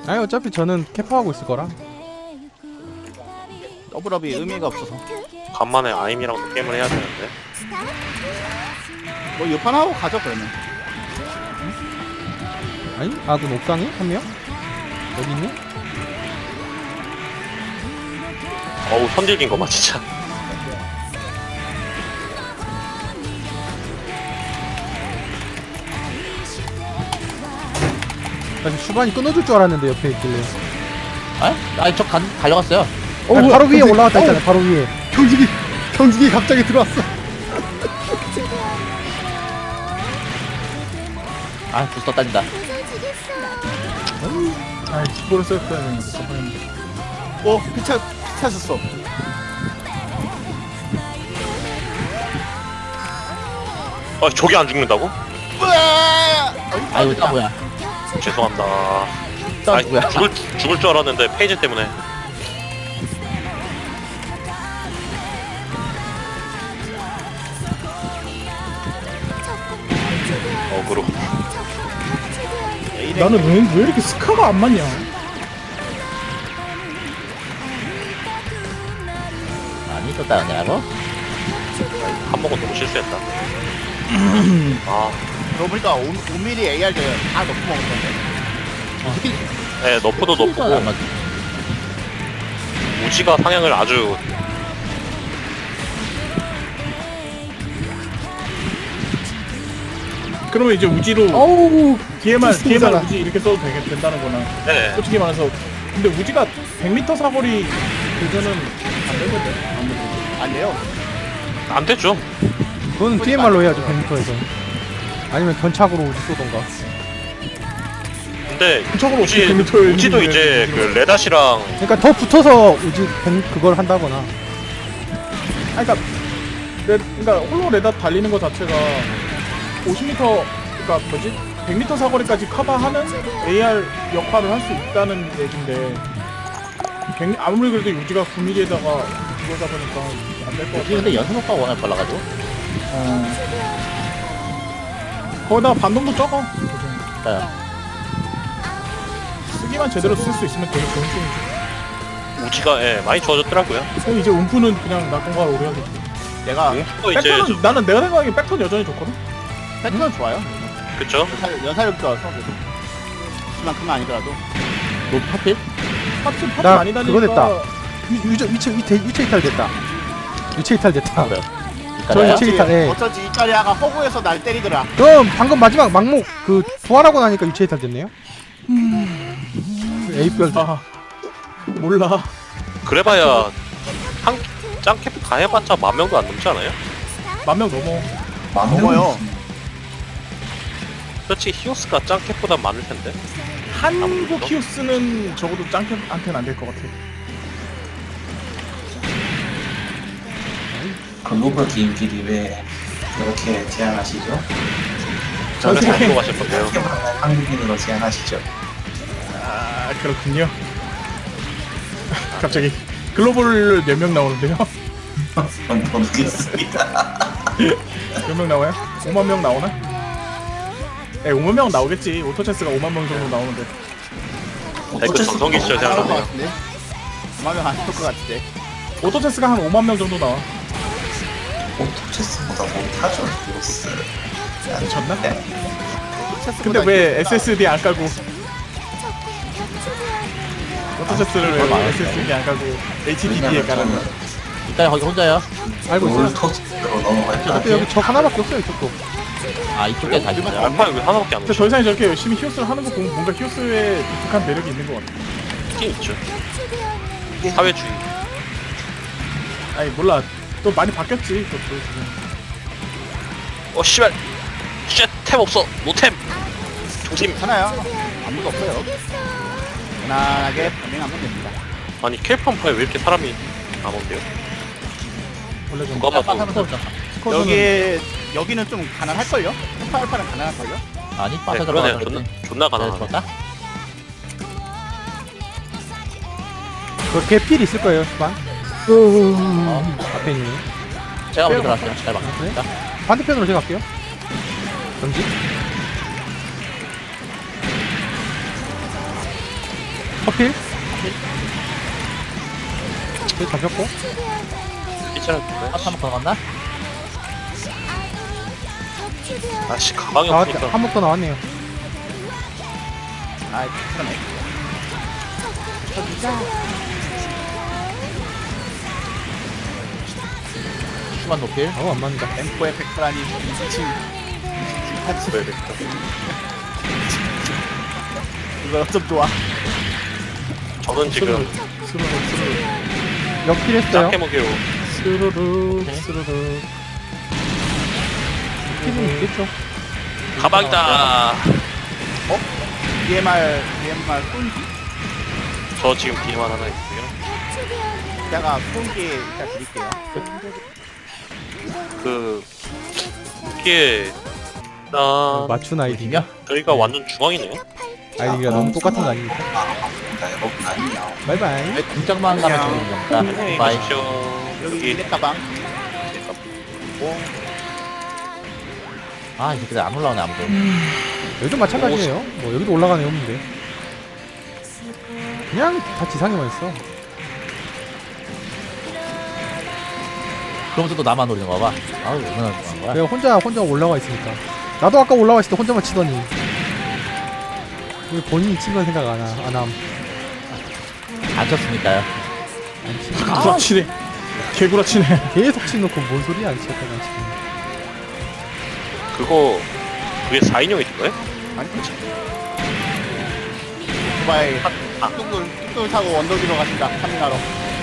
아니 어차피 저는 캐퍼하고 있을 거라. 더블업이 의미가 없어서. 간만에 아임이랑도 게임을 해야 되는데. 뭐 이판 하고 가죠 그러면. 아니 아군 옥상에 한 명? 여기 있네? 어우 선질긴 거봐 진짜. 사실 수반이 끊어줄 줄 알았는데 옆에 있길래. 아니 저 달려갔어요. 아니, 바로 위에 올라갔다 했잖아요. 바로 위에. 경직이 갑자기 들어왔어. 아 부스터 딸린다. 아, 기포를 썼어야 되는데. 피차셨어. 저게 안 죽는다고? 아이고 나 뭐야? 죄송합니다. 나 아니, 뭐야? 죽을 줄 알았는데 페이지 때문에. 어그로. 나는 왜 이렇게 스카가 안 맞냐? 아니 또 따라내라고? 한 번은 너무 실수했다. 아, 그러고 보니까 5mm AR 다 넣고 먹었던데. 네 너프도 안 높고 맞지. 우지가 상향을 아주. 그러면 이제 우지로 어우. 뒤에만 비슷하잖아. 우지 이렇게 써도 된다는 거나. 네. 솔직히 말해서 근데 우지가 100m 사거리 도전은 안 되거든. 안 돼요. 안 됐죠. 그건 DMR로 해야죠 100m에서. 아니면 견착으로 우지 쏘던가. 근데 근처으로 어떻게 100m를 우지도 이제 그 레닷이랑 그러니까 더 붙어서 우지 100 그걸 한다거나. 아니 그러니까 홀로 레다 달리는 거 자체가 50m 그러니까 뭐지? 100m 사거리까지 커버하는 AR 역할을 할 수 있다는 얘긴데 아무리 그래도 유지가 9mm에다가 이거다 보니까 안 될 것 우지 같아. 근데 연속 효과가 워낙 빨라가지고. 거기다가 반동도 적어. 자요. 쓰기만 제대로 쓸 수 있으면 되게 좋은 쪽이지. 우지가 많이 좋아졌더라고요. 그럼 이제 움프는 그냥 낙공과 오래 하겠지. 내가 또 이제 백턴은 나는 내가 생각하기엔 백턴 여전히 좋거든. 패턴은 좋아요. 그쵸? 연사력 좋아서 그래도. 그만큼은 아니더라도. 너 하필? 파츠 나 많이 다니니까. 그거 됐다. 위치 이탈 됐다. 위치 이탈 됐다. 그래요. 저 이까요? 유체 이탈. 예. 어쩐지 이까리아가 허구에서 날 때리더라. 그럼 방금 마지막 막목 그 부활하고 나니까 유체 이탈 됐네요. 에이별. 아 몰라. 그래봐야 한 짱캡 다 해봤자 10,000명도 안 넘지 않아요? 10,000명 넘어. 넘어요. 그렇지 히오스가 짱캡보다 많을 텐데. 한국 히우스는 적어도 짱캠한테는 안 될 것 같아. 글로벌 게임끼리 왜 그렇게 제안하시죠? 저는 세계- 잘 들어가실 건데요. 한국인으로 제안하시죠? 아 그렇군요. 갑자기 글로벌 몇 명 나오는데요? 모르겠습니다. 몇 명 나와요? 5만 명 나오나? 5만 명 나오겠지. 오토체스가 5만 명 정도 나오는데. 그 전성기 시절 나올 것 생각나네요. 같은데. 그만면 안쓸것 같은데. 오토체스가 한 5만 명 정도 나와. 오토체스보다 못하죠, 히로스. 미쳤나? 네. 근데 왜 SSD 안 깔고 오토체스를 왜 SSD 안 깔고 HDD에 깔았나? 이까요 거기 혼자요? 알고 있어요. 롤토스로 넘어갈 줄 근데 여기 저 하나밖에 없어요 이쪽도. 아 이쪽에 다시 있어요. 알파 여기 하나밖에 안 근데 오죠. 더 이상 저렇게 열심히 히오스를 하는 거 보면 뭔가 히오스의 독특한 매력이 있는 것 같아. 있긴 있죠. 사회주의. 아니 몰라. 또 많이 바뀌었지. 그것도 지금. 씨발. 쉣템 없어. 노템. 조심. 괜찮아요. 아무도 없어요. 편안하게 반응하면 됩니다. 아니 캘팜파에 왜 이렇게 사람이 안 온대요? 원래 좀 누가 봐도 하면서 여기는 좀 가난할걸요? 알파는 가난할걸요? 아니 네, 빠져 그러네요. 들어가서 존나 가난하네. 죽었다? 그렇게 필 있을 거예요 수반. 앞에 있는. 제가 먼저 들어갈게요. 잘 막습니다. 반대편으로 제가 갈게요. 전지. 커필? 네, 잡혔고. 피치를 하트 한번 더 나갔나? 아씨 가방이 나왔, 없으니까 한 번 더 나왔네요. 아 그러네. 슈만 노필. 아우, 안 맞는다. 엠포의 백프라니 미친 같이 왜 됐다. 이거 좀 좋아. 저는 지금 역필 했어요. 짝해먹이로 스르르 네. 스르르. 필은 있겠죠. 가방이다. DMR 쏜기? 저 지금 DMR 하나 있고요. 제가 쏜기 일단 드릴게요. 그 이게 나 맞춘 아이디. 어디냐? 저희가 완전 중앙이네요. 아이디가 너무 똑같은 거 아닙니까? 나 여러분 아니야. 바이바이. 등짝만 가면 되는 겁니다. 안녕히 바이. 가십시오. 여기 일렉 가방. 아, 이 새끼들 안 올라오네, 아무도. 여기도 마찬가지예요. 뭐 여기도 올라가네 없는데. 그냥 다 지상에만 있어. 그러면서 또 나만 노리는 거 봐. 아우, 얼마나 좋아하는 거야? 내가 혼자 올라와 있으니까. 나도 아까 올라와 있을 때 혼자만 치더니. 왜 본인이 친 건 생각 안 함. 안 쳤으니까요. 구라치네. 개구라치네. 계속 치놓고 뭔 소리야 안 치었다가 지금. 그게 4인용이 거예요? 아니 그렇지. 두바이 뚝뚝 타고 언덕 위로 가신다. 카밍하러.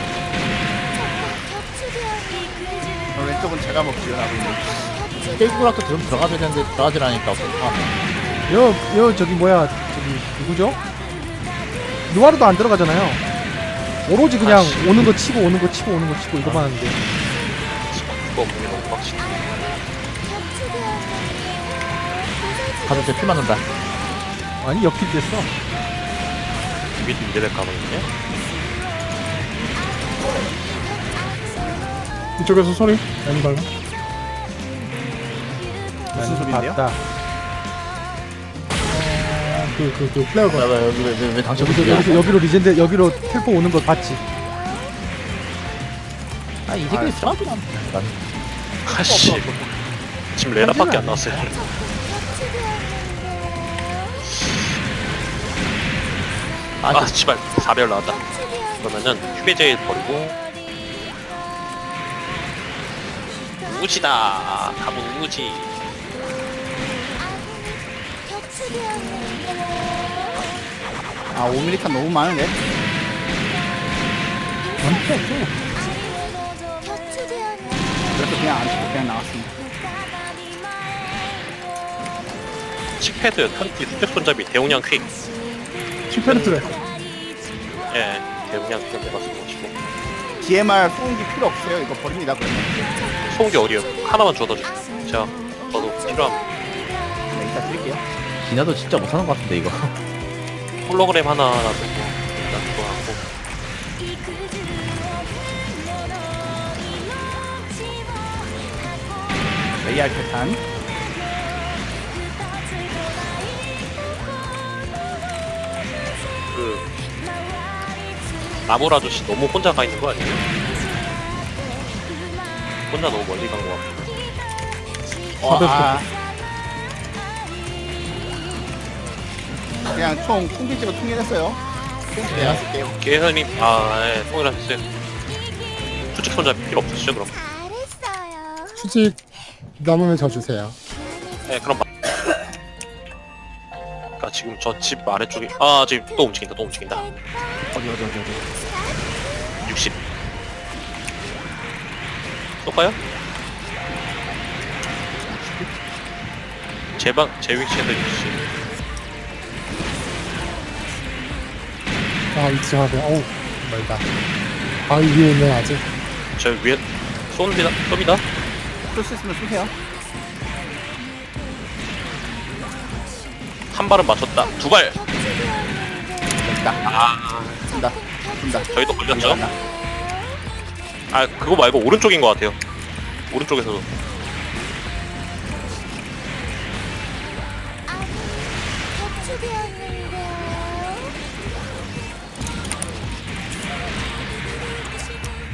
왼쪽은 제가 먹지요. 나도 있는. 케이크락도 좀 들어가줘야 되는데 들어가질 않으니까 여 저기 뭐야 저기 누구죠? 누아르도 안 들어가잖아요. 오로지 그냥 아씨. 오는 거 치고 오는 거 치고 오는 거 치고 이거만 하는데. 그거 보기 너무 빡치네. 가서 제 피 맞는다. 아니 역필 됐어. 미드 미드백 가방이네. 이쪽에서 소리. 엠발. 무슨 소리인데요? 봤다. 그 플레어가. 여기 왜 당첨이 여기로 리젠드 여기로 텔포 오는 거 봤지? 아, 이 새끼들 싸우지도 않네. 아씨 지금 레나밖에 안 나왔어요. 아 씨발 4배열 나왔다. 그러면은 휴배제일 버리고 우지다. 가본 우지. 아 5mm 탄 너무 많은데? 그래서 그냥 안 치고 그냥 나왔습니다. 칙패드 편티 수직 손잡이 대용량 퀵. 슈페르트래. 예 대용량 퀵 내가 쓰고 싶고. DMR 소음기 필요 없어요. 이거 버립니다 그러면. 소음기 어디요? 하나만 주워다 주세요. 제가 저도 필요함. 네, 이따 드릴게요. 기나도 진짜 못하는 것 같은데 이거. 홀로그램 하나라도 일단 좋아하고. AR 패탄. 그 나물 아저씨 너무 혼자 가 있는 거 아니에요? 혼자 너무 멀리 간 거 같고. 그냥 총 통비지로 통일했어요. 내가 쓸게요. 계산이 예, 통일하셨어요. 수직 손잡이 필요 없으시죠 그럼? 수직 남으면 저 주세요. 네 그럼 그러니까 지금 저 집 아래쪽에 지금 또 움직인다. 어디. 60 쏠까요? 제 위치에서 60 아, 위치 하네. 어우, 멀다. 아, 위에 있네, 아직. 저 위에 쏩니다. 쏠 수 있으면 쏘세요. 한 발은 맞췄다. 두 발. 됐다. 준다. 저희도 걸렸죠? 그거 말고 오른쪽인 것 같아요. 오른쪽에서도.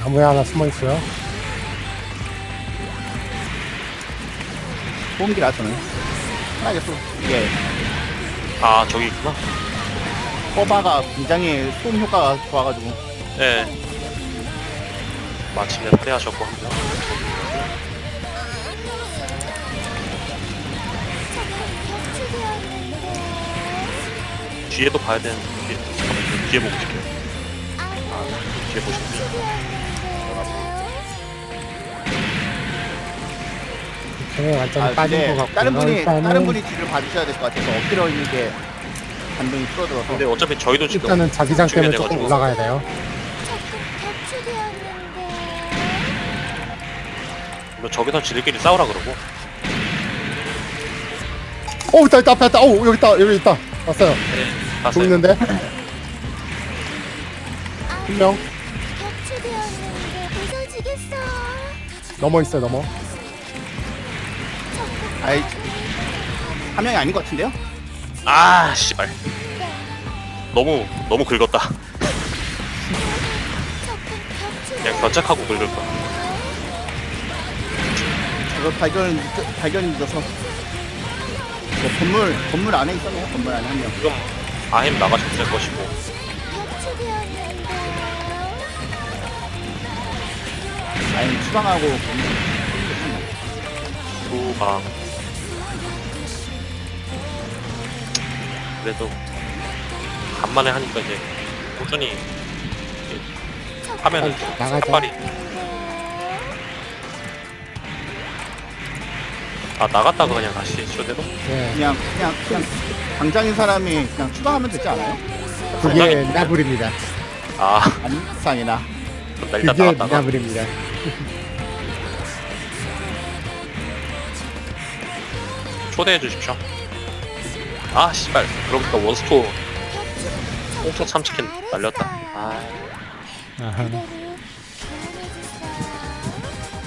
나무에 하나 숨어 있어요. 소음기라 저는 편하게 쏘 이게 아 저기 있구나. 커바가 굉장히 소음 효과가 좋아가지고 예. 마침내 패하셨고 합니다. 뒤에도 봐야 되는데 잠깐만요. 뒤에 보고 싶게요. 뒤에 보시면 쟤네 완전히 빠진 근데 것 같고. 다른 분이 뒤를 봐주셔야 될 것 같아서 엎드려 있는 게 반동이 줄어들어서 근데 어차피 저희도 지금 일단은 자기장 때문에 조금 중요해가지고. 올라가야 돼요. 뭐 저기서 지들끼리 싸우라 그러고 있다, 있다, 앞에 있다. 여기 있다, 여기 있다. 왔어요. 네, 봤어요. 보이는데? 한 명. 넘어 있어요, 넘어. 아이 한 명이 아닌 것 같은데요? 아 씨발 너무 긁었다. 그냥 견착하고 긁을 거야. 이거 발견이 늦어서 건물 안에 있었네요. 건물 안에 한 명. 지금 아햄 나가셔도 될 것이고 아니 추방하고 후방 그래도 간만에 하니까 이제 꾸준히 이제 하면은 좀 나가자. 삭발이 아 나갔다가 그냥 다시 쇼대로? 네. 그냥 당장인 사람이 그냥 추방하면 되지 않아요? 그게 나불입니다. 아 안상이나 그럼 나 일단 그게 나갔다가 나불입니다. 초대해 주십시오. 아 씨발 그러니까 원스토 홍초 참치킨 날렸다. 아 아하.